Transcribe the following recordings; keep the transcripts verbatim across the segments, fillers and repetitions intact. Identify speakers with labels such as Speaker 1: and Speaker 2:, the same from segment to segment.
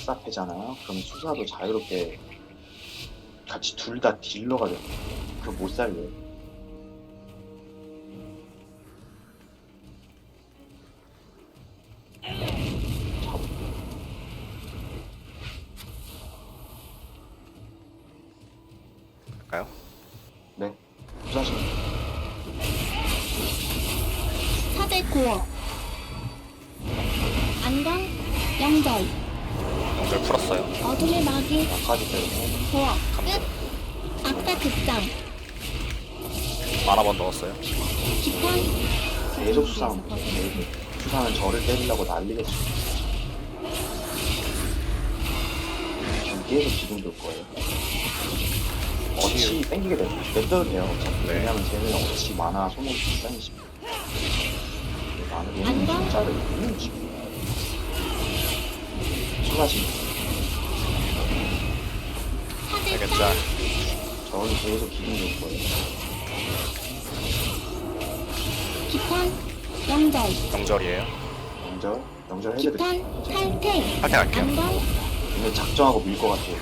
Speaker 1: 악사패잖아요. 그럼 수사도 자유롭게 같이 둘 다 딜러가 돼. 그거 못 살려요. 잡.
Speaker 2: 할까요?
Speaker 1: 네. 수사신.
Speaker 3: 사대 고어 안강 영절
Speaker 2: 영절 풀었어요.
Speaker 3: 어둠의 마귀
Speaker 1: 나까지 때리고.
Speaker 3: 고어
Speaker 2: 감정.
Speaker 3: 끝 악사 극장
Speaker 2: 만화번 넣었어요.
Speaker 3: 기판
Speaker 1: 계속 수상. 수상은 저를 때리려고 난리겠죠. 지금 계속 기둥 돌 거예요. 어치 땡기게 돼. 냅둬도 돼요. 어차피.
Speaker 2: 네.
Speaker 1: 왜냐면 쟤는 어치 많아 소모기 비싼이십니다. 나는 얘는
Speaker 3: 안녕?
Speaker 1: 진짜로 있는 지금. 수사신.
Speaker 3: 사대
Speaker 2: 되겠죠?
Speaker 3: 짤
Speaker 1: 저는 계속 기둥 돌 거예요.
Speaker 3: 기판 영절
Speaker 2: 영절이에요.
Speaker 1: 영절, 영절 해드릴게요.
Speaker 3: 기판 탈퇴
Speaker 2: 탈퇴할게요.
Speaker 3: 안강
Speaker 1: 근데 작정하고 밀 것 같아요.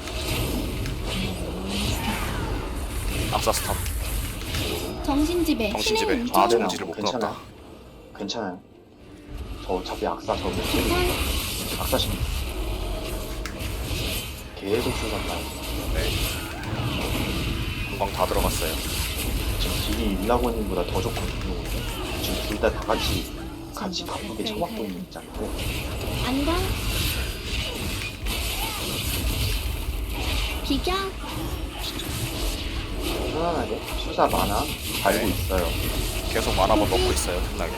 Speaker 2: 악사 스탑.
Speaker 3: 정신지배
Speaker 2: 정신지배.
Speaker 3: 신의
Speaker 2: 아,
Speaker 3: 운전
Speaker 2: 정지를 못
Speaker 1: 괜찮아요.
Speaker 2: 끊었다.
Speaker 1: 괜찮아요. 저 어차피 악사 저거
Speaker 3: 기판
Speaker 1: 악사신. 계속 수상나요.
Speaker 2: 네. 금방 다 들어갔어요.
Speaker 1: 지금 딜이 일라고님보다 더 좋거든요. 지금 둘 다 다 같이 같이 바쁘게 쳐맞고 있는 입장이고.
Speaker 3: 안강 비경
Speaker 1: 편안하게 수사 많아 알고
Speaker 2: 네.
Speaker 1: 있어요.
Speaker 2: 계속 만화번 넣고 있어요. 틈나게.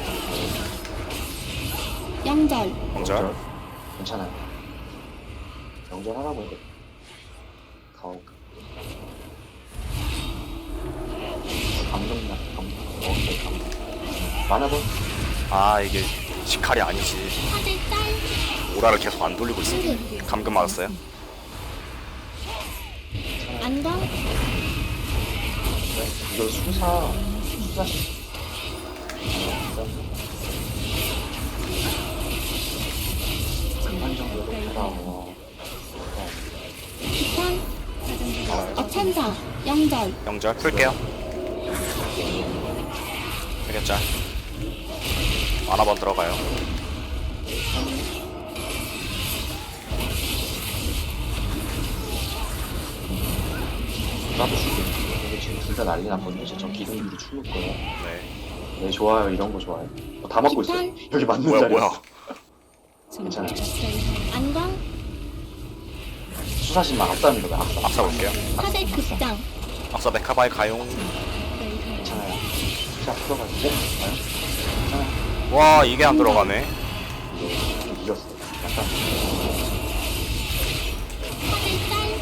Speaker 3: 영절
Speaker 2: 영절.
Speaker 1: 괜찮아요. 영절 하나 보고 가오. 감동나 감동. 오케이 감동. 많아본
Speaker 2: 아 이게 시칼이 아니지.
Speaker 3: 사대 짤
Speaker 2: 오라를 계속 안 돌리고 있어.
Speaker 3: 승급
Speaker 2: 감금 맞았어요.
Speaker 3: 안강
Speaker 1: 이거 수사 수사. 그만 정도로 해라.
Speaker 3: 기판 어천사 영절
Speaker 2: 영절 풀게요. 되겠죠? 만화번 들어가요.
Speaker 1: 나도 죽겠는데. 근데 지금 둘 다 난리 났거든요. 진짜 저 기둥들이 죽을 거예요.
Speaker 2: 네.
Speaker 1: 네, 좋아요. 이런 거 좋아요. 어, 다 맞고 있어요. 여기 맞는
Speaker 2: 뭐야
Speaker 1: 자리.
Speaker 2: 뭐야.
Speaker 1: 괜찮아요.
Speaker 3: 안강
Speaker 1: 수사신만 악사입니다. 왜 악사.
Speaker 2: 악사 볼게요.
Speaker 3: 사대 극장
Speaker 2: 악사 메카바이 가용.
Speaker 1: 괜찮아요. 수사 풀어가지고. 괜찮아요. 괜찮아요.
Speaker 2: 와 이게 안 들어가네.
Speaker 1: 이거 이겼어요. 약간
Speaker 3: 사대 짤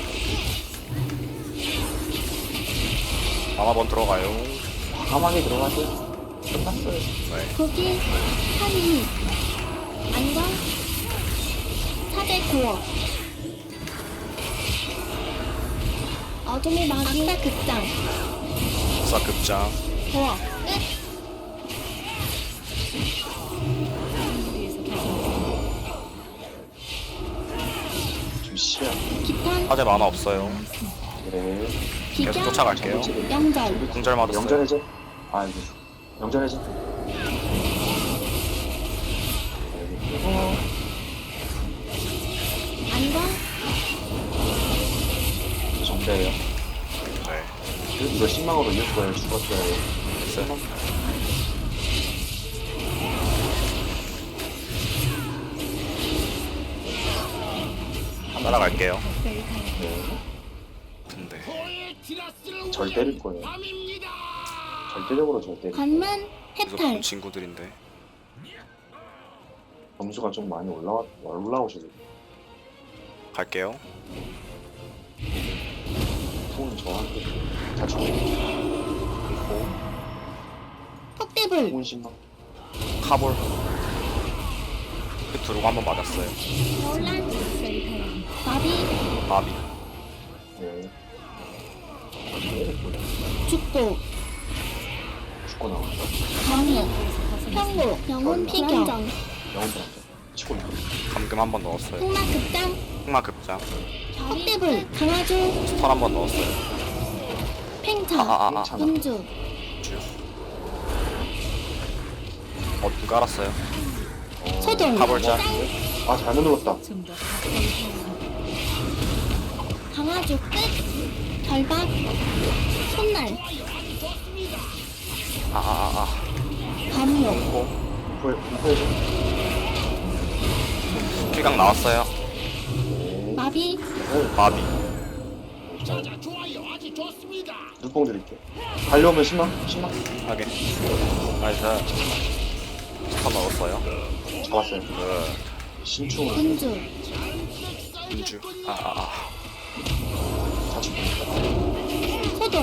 Speaker 2: 만화번 들어가요.
Speaker 1: 과감하게 들어가세요. 끝났어요.
Speaker 2: 네.
Speaker 3: 고기 한이 안강 사대 고어 어둠의 마귀 악사 극장
Speaker 2: 악사 급장.
Speaker 3: 고어 끝
Speaker 1: 좀 쉬어.
Speaker 3: 기판
Speaker 2: 화재 만화 없어요.
Speaker 1: 그래.
Speaker 2: 계속
Speaker 3: 비경
Speaker 2: 쫓아갈게요.
Speaker 3: 영절
Speaker 2: 궁절 맞았어요.
Speaker 1: 영전해제. 아, 이거. 영전해제.
Speaker 3: 안강
Speaker 1: 정대예요.
Speaker 2: 네.
Speaker 1: 이거 신망으로 이길 거예요. 죽었어요.
Speaker 2: 됐어요. 따라갈게요.
Speaker 1: 네.
Speaker 2: 근데
Speaker 1: 절 때릴 거예요. 절대적으로 절 때릴 거예요.
Speaker 3: 관문
Speaker 2: 여기서
Speaker 3: 해탈
Speaker 2: 본 친구들인데
Speaker 1: 점수가 좀 많이 올라와, 올라오시고.
Speaker 2: 갈게요.
Speaker 1: 톤 저한테 다 죽고.
Speaker 3: 폭대불
Speaker 1: 톤 신망.
Speaker 2: 카볼. 그 두루가 한번 맞았어요.
Speaker 3: 논란 마비
Speaker 2: 마비.
Speaker 1: 네.
Speaker 3: 죽고
Speaker 1: 죽고 나왔어.
Speaker 3: 정의 평고 영혼 피경
Speaker 1: 영혼 불안정. 치고 나왔어.
Speaker 2: 감금 한번 넣었어요.
Speaker 3: 흑마 극장
Speaker 2: 흑마 급장.
Speaker 3: 턱대불 강화조
Speaker 2: 스턴 한 번 넣었어요.
Speaker 3: 팽차
Speaker 2: 아, 아, 아.
Speaker 1: 괜찮아.
Speaker 3: 음주
Speaker 2: 어, 눈 깔았어요.
Speaker 3: 소동
Speaker 2: 가볼자.
Speaker 1: 아 잘못 눌렀다.
Speaker 3: 강화조 끝 결박 손날
Speaker 2: 아, 아, 아,
Speaker 3: 검욕
Speaker 2: 아.
Speaker 1: 불 불편해져.
Speaker 2: 피강 나왔어요.
Speaker 3: 마비
Speaker 2: 마비.
Speaker 1: 눈뽕 드릴게. 달려오면 십만 십만
Speaker 2: 하게. 나이스. 스턴 넣었어요.
Speaker 1: 잡았어요.
Speaker 2: 그,
Speaker 1: 신충을
Speaker 3: 음주
Speaker 2: 음주. 아, 아, 아.
Speaker 1: 자축.
Speaker 3: 소동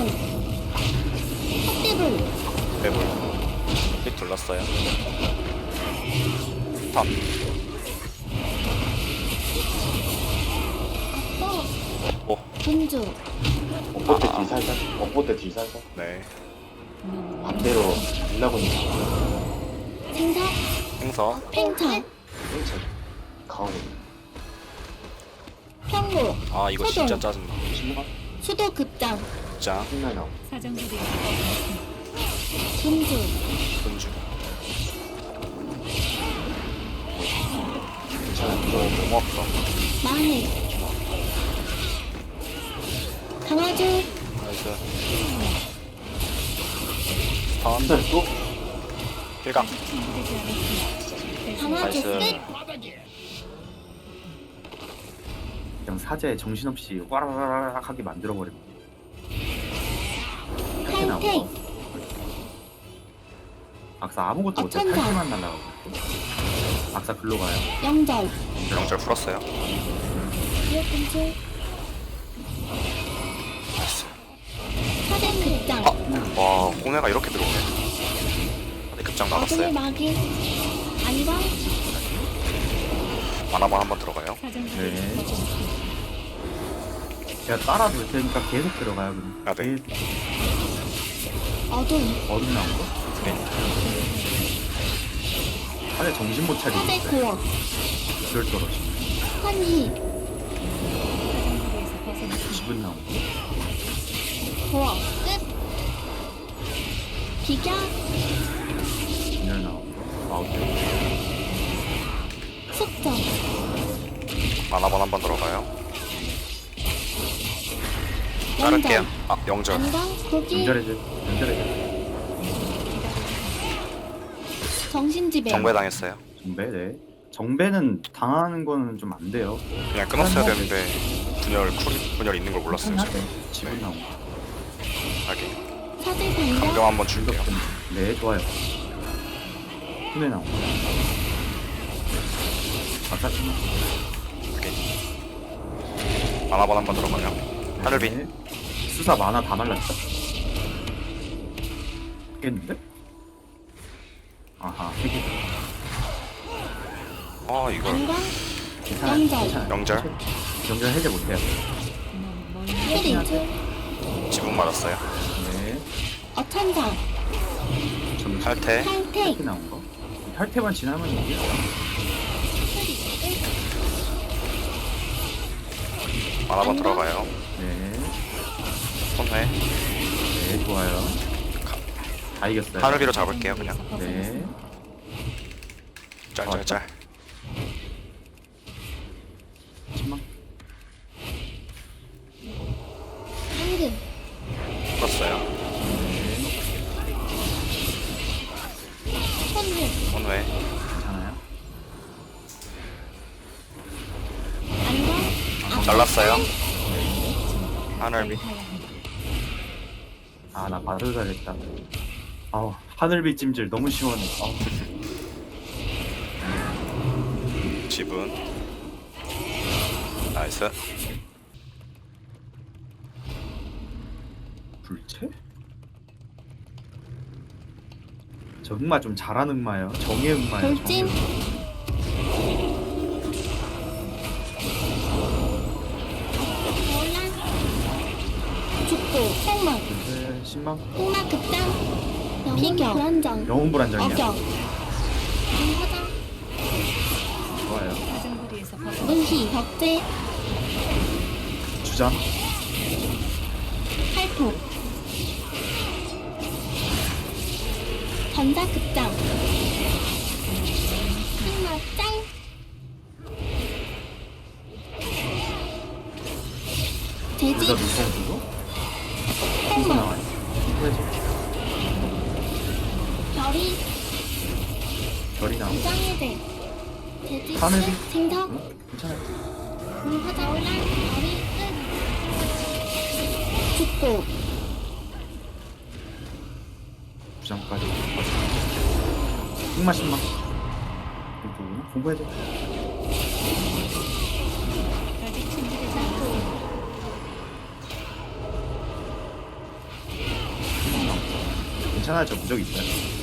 Speaker 3: 턱대불
Speaker 2: 매불. 피 둘렀어요. 스턴.
Speaker 3: 어
Speaker 2: 오,
Speaker 3: 음주
Speaker 1: 엇보 때
Speaker 2: 아, 아.
Speaker 1: 뒤 살살. 엇보 때 뒤 살살.
Speaker 2: 네.
Speaker 1: 반대로 일라고님.
Speaker 3: 생사
Speaker 2: 행서.
Speaker 3: 팽차
Speaker 1: 괜찮아. 강하게.
Speaker 3: 평고
Speaker 2: 아, 이거
Speaker 3: 소동.
Speaker 2: 진짜 짜증나.
Speaker 1: 십만
Speaker 3: 수도 급장
Speaker 2: 진짜.
Speaker 1: 십만 나오.
Speaker 3: 음주
Speaker 2: 음주.
Speaker 1: 괜찮아. 이거
Speaker 2: 너무 아프다.
Speaker 3: 만해 강화조
Speaker 2: 나이스. 스턴.
Speaker 1: 한달 또
Speaker 2: 필강.
Speaker 3: 강화조
Speaker 2: 나이스.
Speaker 3: 끝
Speaker 4: 그냥 사제 정신없이 와라라락 하게 만들어버려. 이렇게 나온
Speaker 3: 탈퇴
Speaker 4: 거. 악사 아무것도 못해.
Speaker 3: 어천사.
Speaker 4: 탈퇴만 날라가고. 악사 글로 가요.
Speaker 3: 영절
Speaker 2: 명절 풀었어요.
Speaker 3: 지역 근처 사대 급장
Speaker 2: 아, 와, 꼬매가 이렇게 들어오네. 네, 급장
Speaker 3: 어둠의
Speaker 2: 나갔어요.
Speaker 3: 마귀 안광
Speaker 2: 만화만 한번 들어가요.
Speaker 4: 네. 제가 따라줄 테니까 계속 들어가요. 그럼.
Speaker 2: 아, 네.
Speaker 4: 계속
Speaker 3: 어둠
Speaker 4: 어둠 나온 거?
Speaker 2: 네.
Speaker 4: 사제 정신 못 차리고
Speaker 3: 사대
Speaker 4: 있어요.
Speaker 3: 고어
Speaker 4: 그럴 떨어지.
Speaker 3: 환희
Speaker 4: 기분 나온 거.
Speaker 3: 고어 끝 비교
Speaker 4: 진열 나온 거. 아웃.
Speaker 3: 숙적
Speaker 2: 만화만 한번 들어가요.
Speaker 3: 영절
Speaker 2: 자를게요. 아, 영절.
Speaker 3: 안광 고기
Speaker 4: 연결해줘. 연결해줘.
Speaker 3: 정신지배
Speaker 2: 정배 당했어요.
Speaker 4: 정배, 네. 정배는 당하는 거는 좀 안 돼요.
Speaker 2: 그냥 끊었어야 되는데 분열 쿨 분열 있는 걸 몰랐어요. 제가.
Speaker 4: 네. 지분
Speaker 2: 네.
Speaker 4: 나온 거.
Speaker 2: 하게.
Speaker 3: 사대
Speaker 2: 감정
Speaker 3: 반격
Speaker 2: 한번 줄게요.
Speaker 4: 네, 좋아요. 힘에 나온 거. 아까
Speaker 2: 하게. 만화만 한번 들어가요. 하늘비.
Speaker 4: 네. 수사 만화 다 말랐다. 깼는데? 아하, 세 개.
Speaker 2: 아, 이걸
Speaker 3: 안광
Speaker 4: 괜찮아요.
Speaker 3: 영절.
Speaker 4: 괜찮아요.
Speaker 2: 영절.
Speaker 4: 영절 해제 못해요.
Speaker 3: 혜리
Speaker 2: 지붕 맞았어요.
Speaker 4: 네.
Speaker 3: 어천사
Speaker 4: 좀
Speaker 2: 탈퇴.
Speaker 3: 탈퇴
Speaker 4: 탈퇴 나온 거. 이 탈퇴만 지나면 이게
Speaker 2: 만화만 들어가요.
Speaker 4: 네.
Speaker 2: 손회.
Speaker 4: 네, 좋아요. 다 이겼어요.
Speaker 2: 하늘비로 잡을게요. 그냥.
Speaker 4: 네.
Speaker 2: 짤짤짤.
Speaker 4: 십만.
Speaker 3: 황금
Speaker 2: 풀었어요.
Speaker 3: 천금
Speaker 2: 손회.
Speaker 4: 괜찮아요.
Speaker 3: 안광
Speaker 2: 잘랐어요. 하늘비.
Speaker 4: 아, 나 바로 가겠다. 아우, 하늘빛 찜질 너무 시원해. 아우.
Speaker 2: 지분. 나이스.
Speaker 4: 불체? 저 흑마 좀 잘하는 흑마예요. 정의 흑마예요.
Speaker 3: 돌진 논란 죽고 폭망
Speaker 4: 네, 십만.
Speaker 3: 흑마 급장 비교 불안정
Speaker 4: 영웅 불안정이야.
Speaker 3: 어격 화장
Speaker 4: 좋아요.
Speaker 3: 문희 벽제
Speaker 4: 주잖아.
Speaker 3: 팔토 전자 극장 흑마 짤
Speaker 4: 둘다
Speaker 3: 재직
Speaker 4: 물성 주고
Speaker 3: 흑마
Speaker 4: 나와요. 그래서
Speaker 3: 별이
Speaker 4: 별이 나와.
Speaker 3: 무장해제 재직
Speaker 4: 하늘이?
Speaker 3: 끝 징석
Speaker 4: 응? 괜찮아요.
Speaker 3: 물하자 올라 별이 끝 죽고
Speaker 4: 부장까지. 흑마 신망. 이거 공부해줘. 괜찮아요. 저 무적 있어요.